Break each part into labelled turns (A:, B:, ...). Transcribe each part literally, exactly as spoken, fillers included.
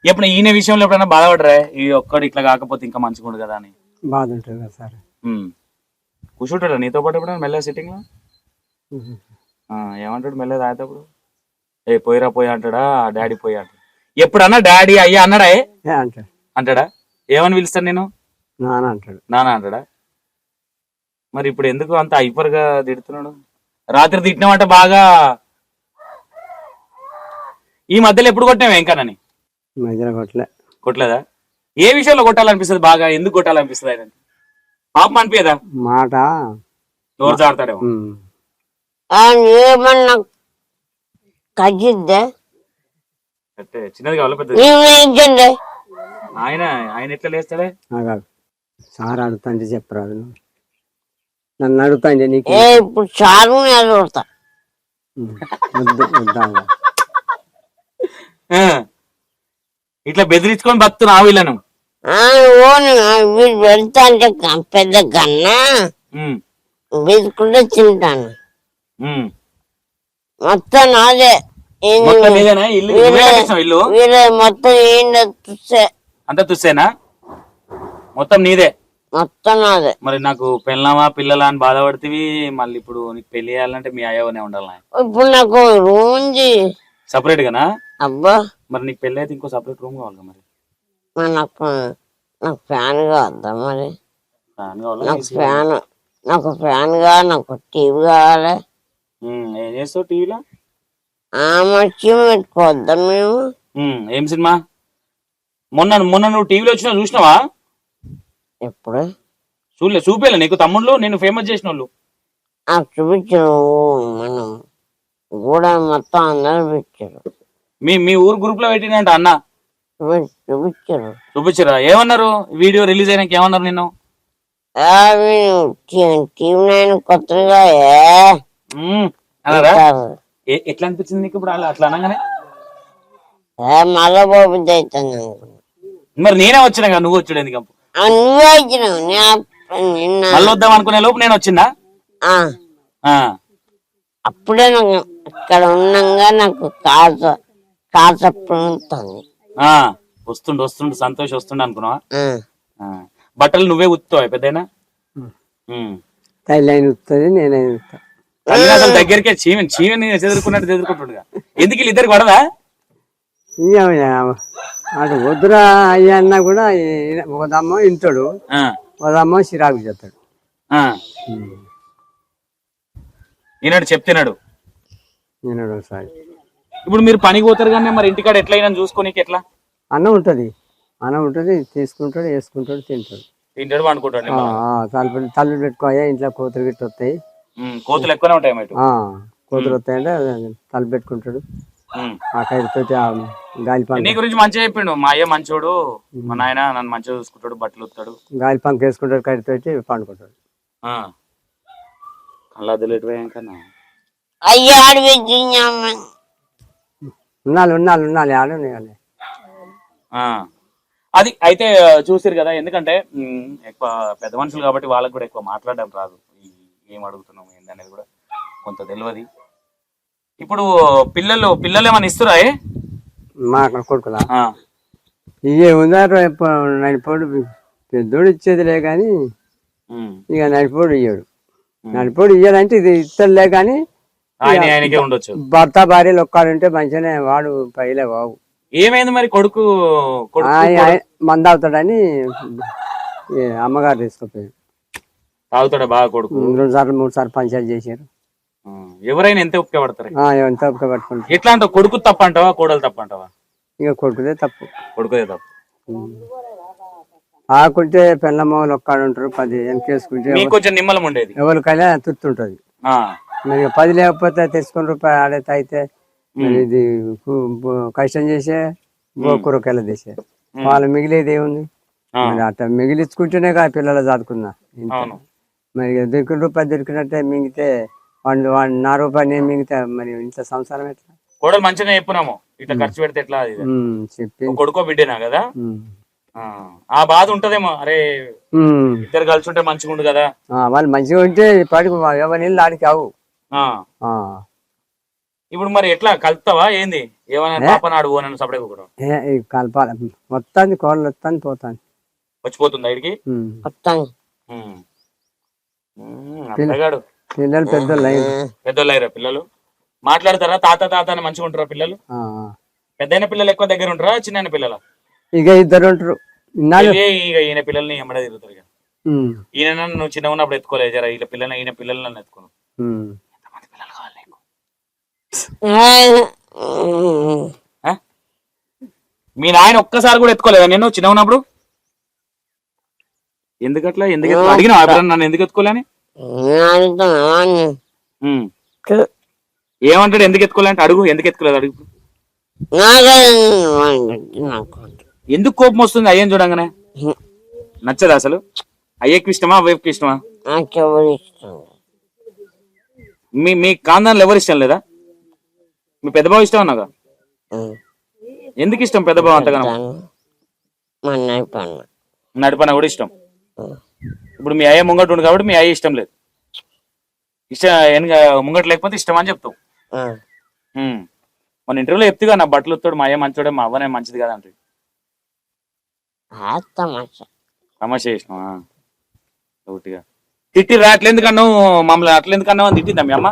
A: ఎప్పుడు ఈయన విషయంలో ఎప్పుడైనా బాధపడరా ఈ ఒక్కడు ఇట్లా కాకపోతే ఇంకా మంచిగా ఉండదు కదా అని?
B: బాధ ఉంటుంది కదా సార్.
A: కూర్చుంటాడా నీతో పాటు ఎప్పుడైనా మెల్లగా సిట్టింగ్ లో? ఏమంటాడు మెల్లగా తాగేటప్పుడు? ఏ పోయిరా పోయి అంటాడా డాడీ పోయి అంటాడు? ఎప్పుడన్నా డాడీ అయ్యా అన్నాడా?
B: అంటాడు.
A: అంటాడా? ఏమని పిలుస్తాను నేను?
B: నాన్న అంటాడు.
A: నానా అంటాడా? మరి ఇప్పుడు ఎందుకు అంత హైపర్ గా తిడుతున్నాడు? రాత్రి తిట్టినామంట బాగా. ఈ మధ్యలో ఎప్పుడు కొట్టినావు వెంకన్నని?
B: మధ్యలో కొట్టలే.
A: కొట్టలేదా? ఏ విషయంలో కొట్టాలనిపిస్తుంది బాగా? ఎందుకు కొట్టాలనిపిస్తుంది ఆయన? పాపం అనిపించదా?
B: మాట
A: నోరు జారుతాడేమో.
C: ఏమన్నా కజిద్దే
A: అంటే చిన్నది కావాలి పెద్ద ఆయన ఆయన ఎట్లా లేస్తాడే?
B: సార్ అడుగుతాంటే చెప్పరాదు. నన్ను అడుగుతాండి నీకు
C: ఇప్పుడు చారు అడుగుతా
A: ఇట్లా బెదిరించుకొని బతున్నా వీళ్ళను.
C: వీడు పెడతా అంటే పెద్ద కన్నా బెదుకుంటే తింటాను. మొత్తం నాదే
A: ఇల్లు
C: మొత్తం ఏంటో తుస్సే.
A: అంతా తుస్సేనా? మొత్తం నీదే?
C: మొత్తం నాదే.
A: మరి నాకు పెళ్ళామా పిల్లలా అని బాధపడుతుంది. మళ్ళీ ఇప్పుడు నీకు పెళ్లి చేయాలంటే మీ అయ్యవనే ఉండాలి.
C: ఇప్పుడు నాకు రూమ్ ఉంది
A: సపరేట్ గానా?
C: అబ్బా
A: మరి నీకు పెళ్లి అయితే ఇంకో సపరేట్ రూమ్ కావాలి మరి.
C: నాకు నాకు ఫ్యాన్ కావద్దా మరి?
A: ఫ్యాన్ కావాలి.
C: నాకు ఫ్యాన్ నాకు ఫ్యాన్ కావాలి. నాకు టీవీ కావాలి.
A: ఏం చేస్తావు టీవీలో?
C: మంచి పెట్టుకోవద్దా మేము?
A: ఏం సినిమా? మొన్న మొన్న నువ్వు టీవీలో వచ్చినా చూసినావా?
C: ఎప్పుడు
A: చూడలే? చూపేలే నీకు తమ్ముళ్ళు నేను ఫేమస్ చేసిన వాళ్ళు?
C: చూపించారు. మనం కూడా మొత్తం అందరూ పెట్టారు.
A: మీ మీ ఊరు గ్రూప్ లో పెట్టినంట అన్న
C: చూపించారు.
A: చూపించరా? ఏమన్నారు? వీడియో రిలీజ్ అయినాక ఏమన్నారు నిన్ను?
C: టీవీ నైన్ కొత్తగా
A: ఎట్లా అనిపించింది నీకు ఇప్పుడు అట్లా అనగానే?
C: మళ్ళా బాబుద్ది అవుతుంది అనుకున్నా.
A: మరి నేనే వచ్చినా కదా, నువ్వు వచ్చాడు ఎందుకు?
C: నువ్వే వచ్చినావు.
A: మళ్ళీ వద్దాం అనుకునే లోపు నేను వచ్చిందా?
C: అప్పుడే నాకు ఇక్కడ ఉన్నాగా నాకు కాస కాసప్పుడు
A: వస్తుండు వస్తుండు సంతోష్ వస్తుండ అనుకున్నావా? బట్టలు నువ్వే ఉత్తావు పెద్దయినా?
B: ఉతుంది నేనే ఉత్తా.
A: అసలు దగ్గరికే చీవని చీవని చెదురుకున్నట్టు చెదురుకుంటుండగా ఎందుకు వీళ్ళు ఇద్దరికి పడదా?
B: అటు వద్దురా అయ్యా అన్నా కూడా ఒకదమ్మ ఇంటాడు, ఒకదమ్మ చిరాకు చేస్తాడు.
A: ఈనాడు చెప్తున్నాడు
B: ఈనాడు ఒకసారి.
A: ఇప్పుడు మీరు పనికి పోతారు కానీ మరి ఇంటికాడ ఎట్లయినా చూసుకోనికి ఎట్లా?
B: అన్నం ఉంటది, అన్నం ఉంటది, తీసుకుంటాడు, వేసుకుంటాడు, తింటాడు,
A: తింటాడు, పండుకుంటాడు.
B: తలుపు తల్లు పెట్టుకోయా ఇంట్లో కోతులు గిట్ట వస్తాయి.
A: కోతులు ఎక్కువనే ఉంటాయి.
B: కోతులు వస్తాయంటే తలుపు పెట్టుకుంటాడు. ఆ కైతో గాలి పంక.
A: నీ గురించి మంచిగా చెప్పిండు. మా అయ్య మంచోడు, మా నాయన నన్ను మంచిగా చూసుకుంటాడు, బట్టలు వస్తాడు, గాలి
B: పంక వేసుకుంటాడు, కైతో పండుకుంటాడు.
A: అలా కన్నా
C: అయ్యా
B: ఉన్నాళ్ళు ఉన్నాళ్ళు ఉన్నాళ్ళు ఆడు.
A: అది అయితే చూసారు కదా. ఎందుకంటే ఎక్కువ పెద్ద మనుషులు కాబట్టి వాళ్ళకి కూడా ఎక్కువ మాట్లాడడం రాదు. ఏం అడుగుతున్నాం ఏందనేది కూడా కొంత తెలియదు. ఇప్పుడు పిల్లలు పిల్లలు ఏమన్నా ఇస్తురా?
B: మా అక్కడ కొడుకులా ఇవే ఉందారు. నడిపోడు పెద్దోడు ఇచ్చేదిలే కానీ ఇక నడిపోడు ఇయ్యాడు. నడిపోడు ఇయ్యాలంటే ఇది ఇస్తలే కానీ
A: ఉండొచ్చు.
B: భర్త భార్యలు ఒక్కడుంటే మంచిగానే వాడు పైలే బాబు.
A: ఏమైంది మరి? కొడుకు
B: మంద అవుతాడని అమ్మగారు తీసుకుపోయాడు.
A: తాగుతాడా బాగా కొడుకు?
B: రెండు సార్లు మూడు సార్లు పంచాయతీ చేశారు.
A: ఎవరైనా ఎంత ఒప్పుక పడతారు?
B: ఎంత ఒప్పుక పట్టుకుంటారు.
A: ఎట్లా అంటావు? కొడుకు తప్ప అంటావా, కోడలు తప్ప అంటావా?
B: ఇక కొడుకుదే తప్పు.
A: కొడుకుదే తప్పు.
B: ఆకుంటే పెళ్ళమ్మలు ఒక్కడు ఉంటారు, పది వెనకేసుకుంటే
A: కొంచెం నిమ్మలం ఉండేది,
B: ఎవరికైనా తుర్తుంటది. మరి పది లేకపోతే తెచ్చుకుని రూపాయలు ఆడైతే అయితే ఇది కష్టం చేసే కూరకాయలు తీసే వాళ్ళు మిగిలేది ఏముంది? మరి అట్లా మిగిలించుకుంటేనే కదా పిల్లలు చదువుకున్నా. మరి దొరికిన రూపాయలు దొరికినట్టే మింగితే వాళ్ళు వాడు నా రూపాయలు నేను మింగితే మరి ఇంట్లో సంసారం ఎట్లా?
A: కోడలు మంచిగా చెప్పున్నాము, ఇట్లా ఖర్చు పెడితే ఎట్లా చెప్పి కొడుకో బిడ్డేనా కదా, ఆ బాధ ఉంటదేమో. అరే ఇద్దరు కలిసి ఉంటే మంచిగా ఉండు కదా.
B: వాళ్ళు మంచిగా ఉంటే పాటికి ఎవరి నీళ్ళు ఆడికి అవు.
A: ఇప్పుడు మరి ఎట్లా కలుపుతావా ఏంది ఏమైనా పాప నాడు నన్ను సపడే కూడా
B: ఏ ఈ కలపాలి మొత్తాన్ని కోళ్ళు వస్తాను పోతాను
A: వచ్చిపోతుంది ఇడికి
C: వస్తాను
A: అత్తగాడు
B: పిల్లలు పెద్దోళ్ళు అయ్యారు.
A: పెద్దోళ్ళు అయ్యారా పిల్లలు మాట్లాడతారా తాత తాత అని మంచిగా ఉంటారా పిల్లలు
B: ఆ,
A: పెద్దయిన పిల్లలు ఎక్కువ దగ్గర ఉంటారా చిన్న పిల్లల
B: ఇక ఇద్దరు ఉంటారు ఇన్నాళ్ళు
A: ఇక ఈయన పిల్లల్ని ఎమ్మడే తిరుగుతారు ఇక
B: ఉమ్,
A: ఈయన నువ్వు చిన్న ఉన్నప్పుడు ఎత్తుకోలేదు జరా వీళ్ళ పిల్లల్ని ఈయన పిల్లల్ని నన్ను ఎత్తుకోను
B: ఉమ్.
A: ఎంతమంది పిల్లలు కావాలి నీకు ఆ? మీ నాయన ఒక్కసారి కూడా ఎత్తుకోలేదా నేను చిన్న ఉన్నప్పుడు ఎందుకట్లా ఎందుకు ఎత్తు- అడిగినా ఎప్పుడన్నా నన్ను ఎందుకు ఎత్తుకోలేని ఉమ్. ఏమంటాడు ఎందుకు ఎత్తుకోలే అంటే అడుగు ఎందుకు ఎత్తుకోలేదు అడుగు ఎందుకు కోపం వస్తుంది అయ్యని చూడంగానే నచ్చదు అసలు అయ్యకి ఇష్టమా అవ్వకి ఇష్టమా మీ మీ కాందాన్లు ఎవరు ఇష్టం లేదా మీ పెద్ద బావ ఇష్టం అన్నాగా ఎందుకు ఇష్టం పెద్ద బావ అంతగా నడిపన కూడా ఇష్టం ఇప్పుడు మీ అయ్య ముంగట్ ఉండు కాబట్టి మీ అయ్య ఇష్టం లేదు ఇష్టం ముంగట్ లేకపోతే ఇష్టం అని చెప్తావు ఉమ్. మన ఇంటర్వ్యూలో చెప్తుగా నా బట్టలు వస్తాడు మా అయ్య మంచోడే మా అవ్వనే మంచిది కదా అంటే తమాషా చేసినావా ఒకటిగా తిట్టిరా అట్లెందుకన్నావు మమ్మల్ని అట్లెందుకన్నావు అని తిట్టిందా మీ అమ్మ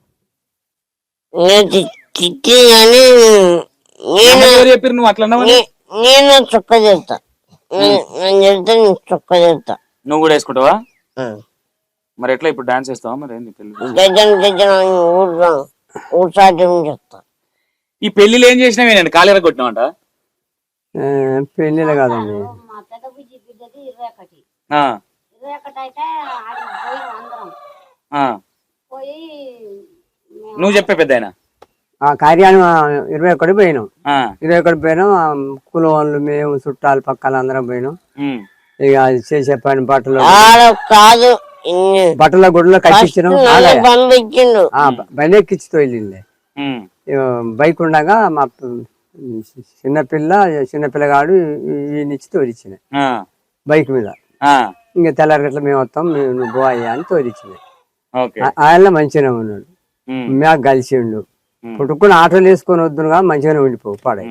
C: తిట్టి కానీ
A: ఎవరు చెప్పారు నువ్వు అట్లా అన్నావు
C: నేను చొక్క చేస్తా నేను చెప్తే నేను చొక్క చేస్తా
A: నువ్వు కూడా వేసుకుంటావా మరి ఎట్లా ఇప్పుడు డాన్స్ వేస్తావా మరి ఏంది పెళ్లి
C: జడ్జన్ జడ్జన్ ఊరు ఊసాటం చేస్తా
A: ఈ పెళ్లిలో ఏం చేసినావే నేను కాలేర కొట్టినావంట
B: ఏ, పెళ్ళిళ్ళు కాదండి
D: మా పెద్ద బుజ్జి బిడ్డది ఇరవై ఒకటి
A: ఆ,
D: ఇరవై ఒకటి అయితే ఆడికి పోయి అందరం
A: ఆ.
D: పోయి
A: నువ్వు చెప్పే పెద్ద ఆయన
B: ఆ కార్యాన్ని ఇరవై ఒకటి పోయినాం ఇరవై ఒకటి పోయినాం ఆ కులం వాళ్ళు మేము చుట్టాలు పక్కన అందరం పోయినాం ఇక అది చేసే పని బట్టలు
C: ఆడ కాదు ఇన్ని
B: బట్టల గుడిలో కట్టించినాం
C: నన్ను పంపించిండు
B: ఆ, బండి ఎక్కించుతో వెళ్ళింది బైక్ ఉండగా మా ప- చిన్నపిల్ల చిన్నపిల్లగాడు ఈయనిచ్చి తోలిచ్చిన బైక్ మీద ఇంకా తెల్లారి గట్ల మేము వస్తాం మేము నువ్వు పో అయ్యా అని తోలిచ్చింది ఆయన మంచిగానే ఉన్నాడు మేము కలిసిండు పుట్టుకుని ఆటోలు వేసుకొని వద్దునుగా మంచిగానే ఉండిపోవు పాడే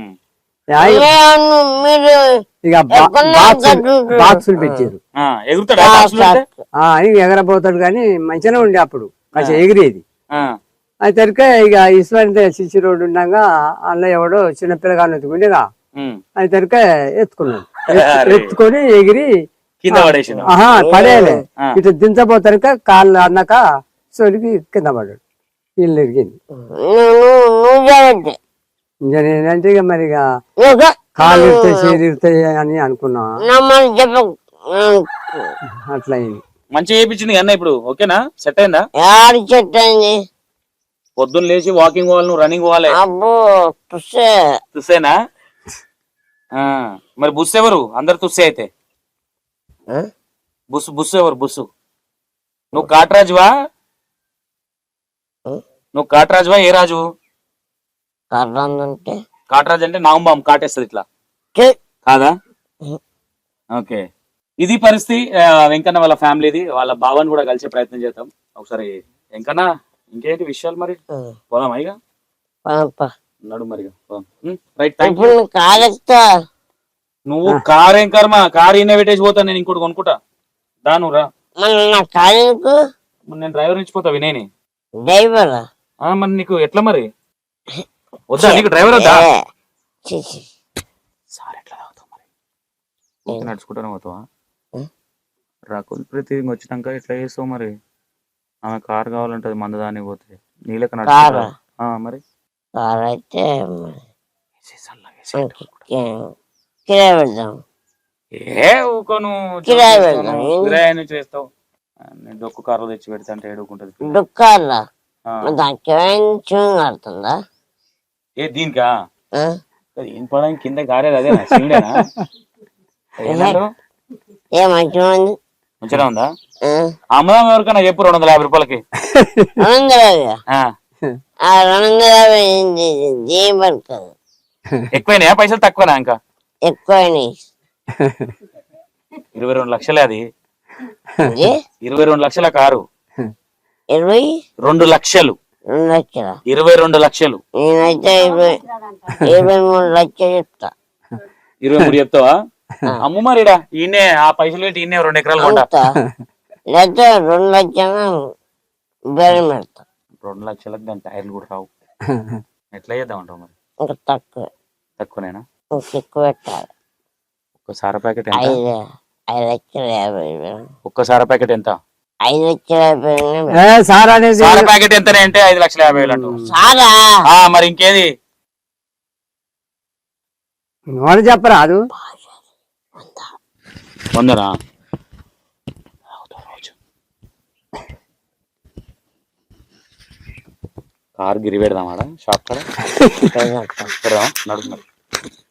C: మీరు
B: ఇక బా- బాక్సులు బాక్సులు పెట్టారు
A: ఎగురుతాడా
B: ఆ, ఇక ఎగరబోతాడు కానీ మంచిగానే ఉండే అప్పుడు కొంచెం ఎగిరేది అయితే ఇక ఈశ్వరి సిసి రోడ్డు ఉండగా అందులో ఎవడో చిన్నపిల్లగాడు ఎత్తుకుండేగా అయితే ఎత్తుకున్నాడు ఎత్తు- ఎత్తుకొని ఎగిరి
A: కింద పడేసి
B: ఆహా పడేయలే ఇటు దించబోతానిక కాళ్ళు అన్నాక సోలికి కింద పడ్డాడు ఇల్లు ఎరిగింది
C: నువ్వు చేయద్దు
B: ఇంకా నేనంటే ఇక మరి ఇక కాళ్ళు ఇరుతాయి చేరు ఇరుతాయి అని అనుకున్నా
C: నమ్మని చెప్ప
B: అట్లా అయింది
A: మంచిగా చేయించింది అన్న ఇప్పుడు ఓకేనా సెట్ అయిందా
C: ఆడి చెట్టు అయింది
A: పొద్దున్న లేచి వాకింగ్ పోవాలి నువ్వు రన్నింగ్ పోవాలి
C: అబ్బో తుస్సే
A: తుస్సేనా ఆ, మరి బుస్ ఎవరు అందరు తుస్సే అయితే బుస్ బుస్ ఎవరు బుస్సు నువ్వు కాట్రాజువా నువ్వు కాట్రాజువా ఏ రాజు
C: కర్రందంటే
A: కాట్రాజు అంటే నాంబాం కాటేస్తుంది ఇట్లా కాదా ఓకే ఇది పరిస్థితి ఆ, వెంకన్న వాళ్ళ ఫ్యామిలీది వాళ్ళ బావని కూడా కలిసే ప్రయత్నం చేద్దాం ఒకసారి వెంకన్న ఇంకేంటి విషయాలు మరి పోదాం ఇక నడు మరి రైట్ థ్యాంక్ యూ
C: కాలెక్తా
A: నువ్వు కార్ ఏం కర్మ కార్ ఈయన పెట్టేసి పోతాను నేను ఇంకోటి కొనుక్కుంటా దాను రా
C: మన నా కాలేకు
A: మరి నేను డ్రైవర్ నుంచి పోతా వినేని
C: డ్రైవర్
A: ఆ, మరి నీకు ఎట్లా మరి వద్దా నీకు డ్రైవర్ వద్దా సార్ ఎట్లా తాగుతావు మరి ఊరికే నడుచుకుంటానే పోతావా రాకుల్ ప్రీతి వచ్చినాక ఎట్లా చేస్తావు మరి ఆమె కార్ కావాలంటది మందదాని పోతే నీళ్ళకి నడుచుకుంటా ఆ, మరి
C: కార్ అయితే
A: ఏసీ చల్లగా ఏసీ.
C: కిరాయి పెడదాం
A: ఏ ఊకోను
C: కిరాయి పెడదాం
A: కిరాయి నుంచి చేస్తావు నేను డొక్కు కారు తెచ్చి పెడితే అంటే ఏడుకుంటది
C: దుఃఖాలా
A: ఆ.
C: దానికి చూంగ్ ఆడుతుందా
A: ఏ దీనికా ఏం పడడానికి కింద గారేది అదేనా శివుడేనా ఏమన్నారు?
C: ఏ మంచిగా ఉంది
A: మంచిగా ఉందా అమ్మదాం ఎవరికైనా చెప్పు రెండు వందల యాభై రూపాయలకి
C: రెండు వందల యాభై
A: ఆ,
C: ఆ రెండు వందల యాభై ఏంది ఏం పడుతుంది
A: ఎక్కువైనాయా పైసలు తక్కువనా ఇంకా
C: ఎక్కువైనాయి
A: ఇరవై రెండు లక్షలే అది
C: ఇది
A: ఇరవై రెండు లక్షల కారు
C: ఇరవై
A: రెండు లక్షలు
C: రెండు లక్షల
A: ఇరవై రెండు లక్షలు
C: నేనైతే ఇరవై ఇరవై మూడు లక్షలు చెప్తా
A: ఇరవై మూడు చెప్తావా అమ్ము మరిడా ఈయనే ఆ పైసలు పెట్టి ఈయనే రెండు ఎకరాలు కొంటా
C: అంతా లేకపోతే రెండు లక్షలు బేరం పెడతా
A: రెండు లక్షలకు దాని టైర్లు కూడా రావు ఎట్లా చేద్దామంటావు మరి
C: ఇంకా తక్కువ
A: తక్కువనేనా
C: ఇంకా ఎక్కువ పెట్టాలి
A: ఒక్క సార ప్యాకెట్ ఎంత
C: ఐదు ఐదు లక్షల యాభై వేలు
A: ఒక్క సార ప్యాకెట్ ఎంత
C: ఐదు లక్షల యాభై వేలు
B: ఏ సార్ అనేది
A: సార ప్యాకెట్ ఎంతనే అంటే ఐదు లక్షల యాభై వేలు అంటావు
C: సారా
A: ఆ, మరి ఇంకేది
B: వాళ్ళు చెప్పరాదు
A: వందనా కార్ గిరి పెడదామాడా షాప్ కాడ పెడదాం నడుపు మరి